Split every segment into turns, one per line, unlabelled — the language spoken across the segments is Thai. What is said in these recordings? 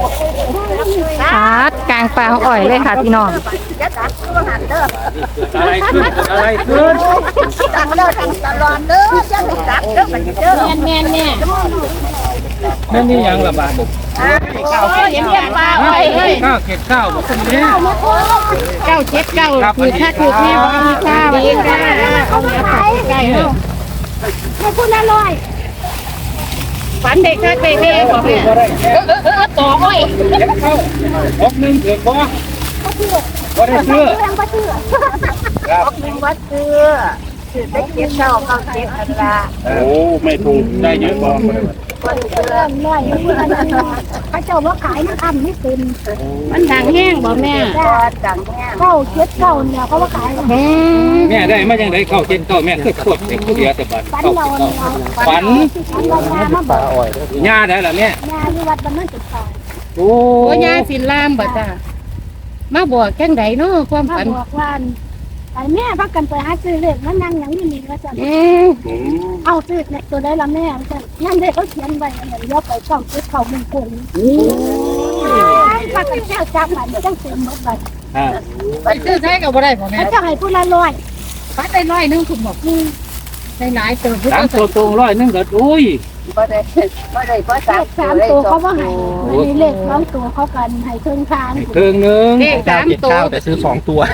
ชาร์จกลางปลาของอ่อยเลยค่ะพี่น้อง
อะไรขึ้น
ตังเด้อตังตลอดเด้อจะไม่ตักเด้อมันเด้อแม่แม่
แม่นี่ยังละบาท
เห็นยังปลาอ้อย
ข้าวเก็บข้าวบอกคนนี้
979คือถ้าคือแม่บ่มีข้าวนี่ค่ะเอามาใส่ใกล้เนาะให้พูดอร่อยฝันเด็กค่ะเด็กแม่บอกแม่ต่ออ้อย
เก็บข้าวออกนึงเถื่อนบ่ได้เสื้อ
ออกนึงวัดเสื้อได้เก็บเจ้าเข้าเก็บกันละ
โอ้ไม่ถูกได้เยอะบ่
คนเสื้อน้อยพระเจ้าว่าขายมันทำไม่เป็น
มันดังแห้งบ่แม่
ดังแง่979เนี่ยเขาว่าขาย
แม่ได้มาจังได๋ข้าวเก็บข้าวแม่คือขวบเป็นผู้เดียวแต่บัด
ฝัน
ข้าว
เรา
ฝัน
เรามาบอก
ย่าได้ล่ะแม่
งานที่วัดบ้านนั่นจุดต่อ
โอ้
โอ้ยาสินลามบ่จ้ามาบอกจังไดเนาะความ
มา
ฝัน
บอกว่าไอ้แม่พักกันไปหาซื้อเลขนั่นนั่งอย่างนี้นี่ก็จะ เอาซื้อเนี่ยตัวได้ละแม่จะนั่นได้เขาเขียนไว้เหมือนยกไปช่องซื้อเขามึงกงพักกันแค่จับมันจังเต็มหมดเลย
ไปซื้อใช้ก็บ่ได้บ่แม่
แล้วจะให้ผู้ละร้อย
ปัดได้100นึงคุณบอกได้หลายเติม
สามตัวตรง100นึงก็อุ้ย
เพราะ3ตัวเขาว่าให้เลข2ตัวเขากันให้เครื่องทาง
ครึ่งนึง
เลข3ตัว
แต่ซื้อ2ตัว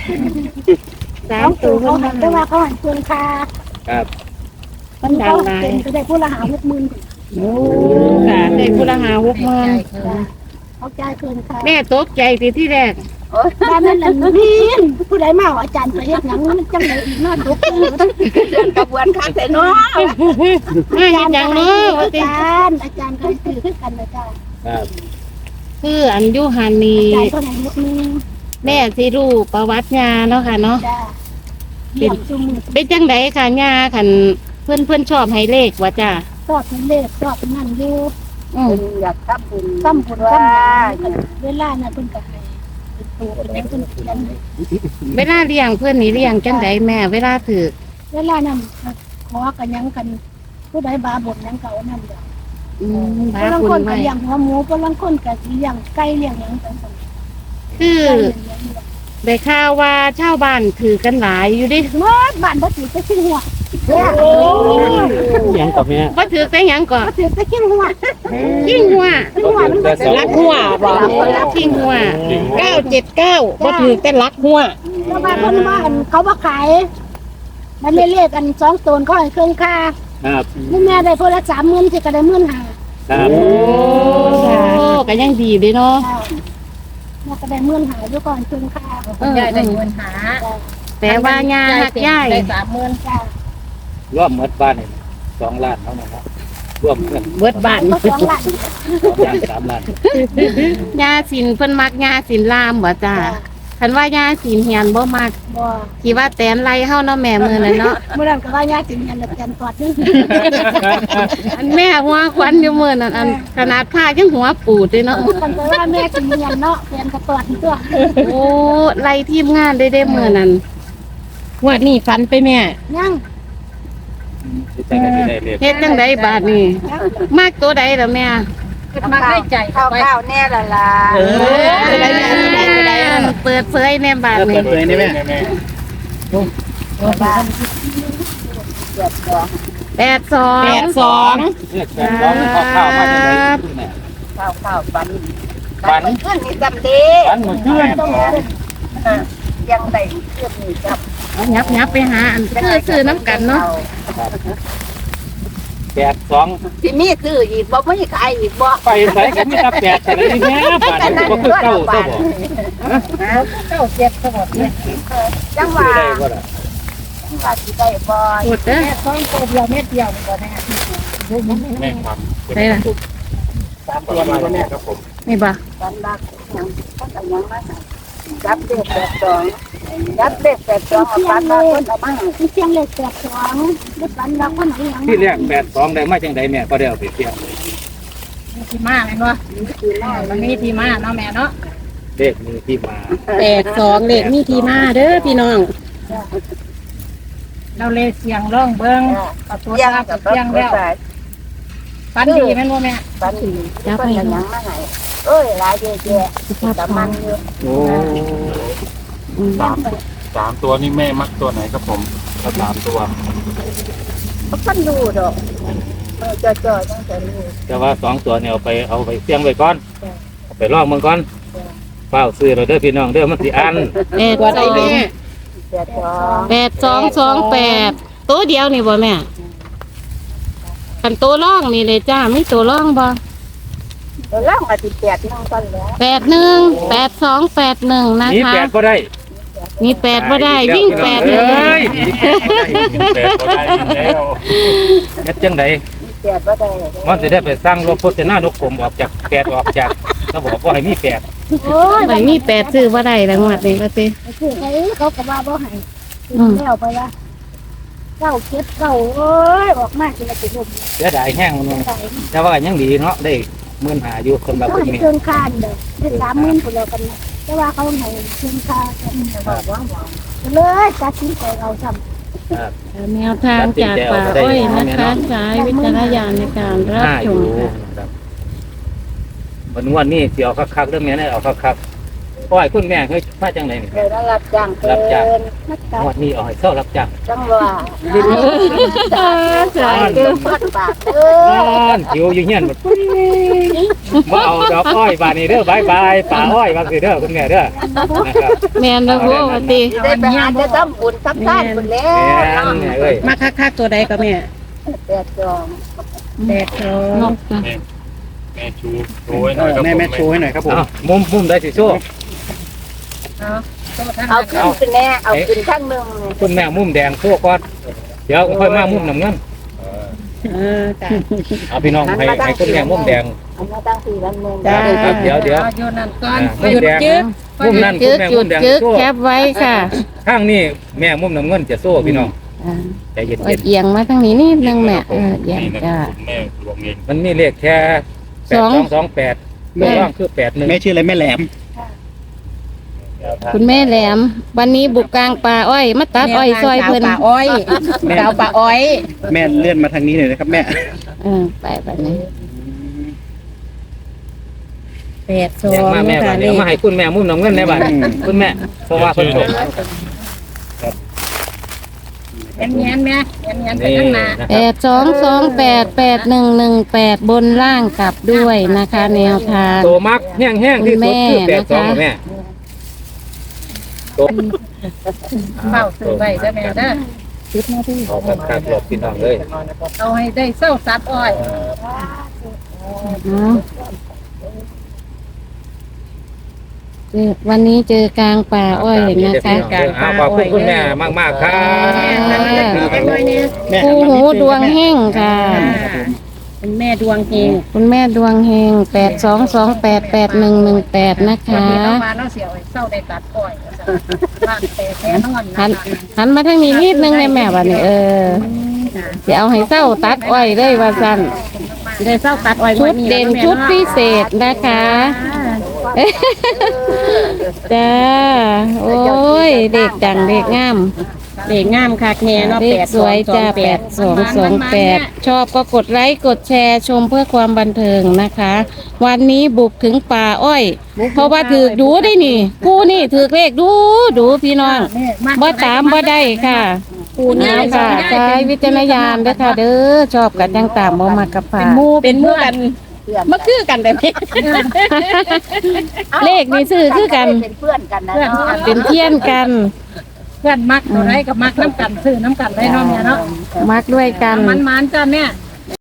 2ตัวเขาให้แต่ว่าเขาให้เครื่องทาง
ครับ
มันดั
เขา
งหลาย
เป็นก็ได้ผู้ละ50,000
โอ้ค่ะได้ผู้ละ60,000
เขาจ่ายเครื่องทาง
แม่ตกใจที่แรก
บ้านนั้นแหละนี่ผู้ใดมาอาจารย์ไปเฮ็ดหยังมันจังได๋อีกเนาะทุกเรื่องกระบวนการแต่เนาะ
มาเฮ็ดหยังเนาะว่าติ
อาจารย์ก็ซื้อคือกันนะจ้า
ครับ
คืออันอยู่หันนี่
จ่ายเท่าไหร่ลูกนึง
แม่สิรู้ประวัติยาเนาะค่ะเนาะ
จ้าเลี้ยงจุ่ม
เป็นจังไดค่ะยาคันเพิ่นชอบให้เลขว่าจ้า
ชอบเป็นเลขชอบเป็นนั่นอยู่
อยากทำบุญ
ซ้ำบุญซ้ำเวลาน่ะเพิ่นก็ให้เป็นตัวเป็นเพิ่นเขียน
เวลาเลี้ยงเพิ่นนี่เลี้ยงจังไดแม่เวลาถือ
เวลานั้นขอกันหยังกัน ผู้ใดบาบุญหยังเก่านั่นเด้อ
บ้า
ผู้ลาง
คุ
คน
ณ
ก็
ไว้
เลี้ยงหัวหมูผู้ลางคนก็สิเลี้ยงไก่เลี้ยงหยังจังซั่น
คือ ได้ข่าวว่าชาวบ้านถือกันหลายอยู่ดิ
หมดบ้านบ่ถือแต่ขี้หัว
ยังกับแม่
บ่ถือแต่หยังก่อน
บ่ถือแต่ขี้หัว
ขิงหัว
ขี้หัวมันบ่
ลักหัวบ่ขิงหัว979บ่ถือแต่ลักหัว
แล้วบ้านเพิ่นว่าอันเขาบ่ขายมันไม่เรียกอัน2ตัวเขาให้เครื่องค่า
ครับ
นี่แม่ได้คนละ30,000สิก็ได้15,000
ครับ
โอ้ก็ยังดีเด้เนาะ
แม่ก็ได้15,000อยู่ก่อนเครื่องค่า
ยายได้เงินหาแต่ว่ายาหักยาย
ได้30,000จ้าร
วมหมดบ้านนี่2ล้านเท่านั้นครับรวมเงิน
เบิดบ้าน
ก็2ล้าน
2ล้าน3ล้าน
ยาสินเพิ่นมักยาสินลามบ่จ้าคันว่ายาสินเฮียนบ่มัก
บ่
คิดว่าแตนไล่เฮาเนาะแม่มื้อนั้นเนาะ
เมื่อนั้นก็ว่าญาติเงินแล้วกันกอดนึง
อันแม่หัวควันอยู่มื้อนั้นอันขนาดผ้ายังหัวปูดเลยเนาะ
กันไปว่าแม่สิเงินเนาะเปลี่ยนก็กอดตัว
โอ้ไล่ทีมงานได้มื้อนั้นว่านี่ฝันไปแม่
ยัง
เฮ็ดจังไดบาดนี้มากตัวใดล่ะแม่
มาได้ใจ
ข้าวแน่ละล่ะ
เปิดเผยแน่บาดนี้
เลยนี่แม่ 82
82
ข้าวมาจากไหน
ข้าวฝัน
ฝัน
ขึ้นนี่จำดี
ฝันหมดเพื่อน
ยังได้ขึ้นนี่จับ
ยับไปหาอันซื้อน้ำกันเนาะ
82
ที่มีซื้ออีกบ่ไม่ขายอีกบ่
ไปใส่กันมีแต่8แต่ละนี่แม่บาทนี่บ่คือเก้าตัวบ่
9 7ก็หมดเนี่ย
จังห
ซื้
วะ
อได้บ่ล่ะ
ว่าสิได้บ่
พูดเด้อ
แม่2ตัวเดียวเม็ดเดียวก็แม่
แม่ครับ
ใช่ล่ะ
3ตัวมาแม่ครับผม
นี่บ่
ฝันรักยังก็ยังมาจับเด็ก82จับเด็ก82เอาฝันมาคนเอามา
ที่เชียงเลข82ได้ปันเราคนไหนยัง
ที่แรก82ได้มาจังไดแม่ก็ได้เอาไปเสี่ยง
ที่มาแม่นบ่มันมีที่มาเนาะแม่เนาะ
เลขมีที่มา
82เลขมีที่มาเด้อพี่น้องเราเลขเสียงร้องเบิ่งเอาตัว
ยัง
ทับ
กับ
เสียงแล้ว ฝันดีแม่นบ่แม่
ฝันดีคนยังมาให้เอ้ยหลายเยอะแยะแต่มันอยู่
โอ้สามตัวนี่แม่มักตัวไหนครับผมถ้า3 ตัว
ก็พันดูดอกจ่อๆต้องจะรู้
แต่ว่า2 ตัวเนี่ยเอาไปเสี่ยงไว้ก่อนเอาไปลองเมืองก่อนเฝ้าซื้อเราเด้อพี่น้องเด้อมันสิอัน
ตัวใดแม่
82
8228ตัวเดียวนี่บ่แม่คันตัวร่องนี่เลยจ้ามีตัวร่องบ่
ตัวล่างอาทิตย์8นั่งกันแล้ว
818281นะ
นี่
คะ
8ก็ได้
มี8บ่ได้วิ่ง8
เล
เลย
8ก็ได้แล้วเฮ็ดจังได๋
8บ่ได้
มันสิได้ไปสร้างโลกโฆษณานกกลมออกจาก8ออกจากเขาบอกว่าให้มี8
โอ้ย
ไม่มี8ซื้อบ่ได้แล้วงวดนี้ว่าติ
คือไอ้เขาก็ว่าบ่ให้แล้วไปละเก้าเก็บเก้าโอ้ยออกมาสิละสิลม
เสียดายแห้งมัน
ใส่
แต่ว่ายังดีเนาะได้15,000อยู่คนละ
ก็
คน
ให้
นี้
เครื่องคานเด้อได้30,000พุ่นแล้วกันนะแต่ว่าเขาให้เครื่องคานกันเลยตัดสินใจเอาซ้ำ
แนวทางจากป่าอ้อยนะคะใช้วิจารณญาณในการรับ
5
ช
อยู่
มค่ะ
นะครับวันนี้สิเอาคักๆเรื่องแม่ได้เอาคักๆอ้อยคุณแม่เฮ้ยมาจังได๋นี่
เดี๋ยวรับจ้างเพิ่น
นักการ
งวดนี้เอาให้เซารับจ้าง
จังว่า
ใช่
เกินพันบาทเออ
หิวอยู่เฮียนหมดมาเอาดอกอ้อยบานนี้เด้อบายบายป่าอ้อยบางสิเด้อคุณแม่เด้อนะครับ
แมนนะพูว่าติ
ได้ไปหาได้ทำบุญทำทานพุ่นแล้
แม่
ว
แม่เอ้ย
มาคักๆตัวใดก็แม่
82
นกจ้ะ
แม่ชูโชว์ให้หน่อยครับผม
แม่ชูให้หน่อยครับผม
เอามุมได้สิโชว์
เอาขึ้นแน่เอาขึ้นข้างหนึง
คุณแม่มุมแดงโชว์ก่อนเดี๋ยวค่อยมามุมน้ำเงิน
จ้ะ
เอาพี่น้องให้คุณแม่มุมแดง
อันนี้ตั้ง4วันนึง
ครับเดี๋ยว
อยู่นั่นก่อน
มุมแดงมุมนั้นคุ
จึ
ณ
ก
แม่
หยุ
มุ
ด
มแดง
จึก
โชว์
แคปไว้ค่ะ
ข้างนี้แม่มุมน้ำเงินจะโซ่พี่น้องใจเย็
เอา
น
เอียงมาทางนี้นิดนึงแม่เอียง
นี่นะ
จ้ะ
คุณแม่หลวงเอง
ๆมันมีเลขแค่8228ตัวร่องคือ81
แม่ชื่ออะไรแม่แหลม
คุณแม่แหลม วันนี้บุกกลางป่าอ้อยมาตัดอ้อยซอยเพิ่น
แม่
สาวป่าอ้อย
แม่เลื่อนมาทางนี้หน่อยนะครับแม่
ไปแบบนี้
แดงมาแม่บาดเดี๋ยวมาให้คุณแม่มุมน้ำเงินในบาดคุณแม่เพราะว่าเพิ่นส่ง
แง้มๆแม่แง้มๆไป
นี่
ข้างหน้า
นะครับ
82288118บนล่างกลับด้วยนะคะ แนวทาง
ตัวมักแห้งๆที่สุดคือ
คุณแม่นะคะ
82แม่ตัว
เฝ้าซื้อไว้เด้อแม่เด้อ
เอาคักๆหลบพี่น้องเลย
เอาให้ได้เศร้าสัตว์อ้อย
วันนี้เจอกลางป่าอ้อยนะคะ
ขอบคุณคุณแม่มากๆครับ
แม่
คู่หูดวงแห้งค่ะ
เป็นแม่ดวงเฮง
คุณแม่ดวงแหง82288118นะคะ
วันนี้เรามาเราเสียไอ้เศร้าได้ตัดอ้อยบ้านแต่แค่นอน
หันหันมาทางนี้นิดนึงเลยแม่บัดนี้สิเอาให้เศร้าตัดอ้อยเลยว่าซั่น
ได้เศร้าตัดอ้อย
ชุดเด่นชุดพิเศษนะคะจ้าโอ้ยเด็กดังเด็กงาม
เด็กงามค่ะแค่เนาะ
เด็กสวยจ้า8228ชอบก็กดไลค์กดแชร์ชมเพื่อความบันเทิงนะคะ วันนี้บุกถึงป่าอ้อย เพราะว่าถือดูได้นี่กูนี่ถือเลขดูพี่น้องบ่ตามบ่ได้ค่ะกูนี่ค่ะใช้วิจารณญาณเด้อค่ะเด้อชอบกันจังตามบ่มากับผ่า
เป็นหมู่กันมาคือกันได้ไหม
เลขนี่ซื้อคือกัน
เป็นเพื่อนกันนะเนาะ
เป็นเพี้ยนกัน
เพื่อนมักตัวไรกับมักน้ำกันซื้อน้ำกันได้เนาะแม่เนาะ
มักด้วยกัน
มันจ้าแม่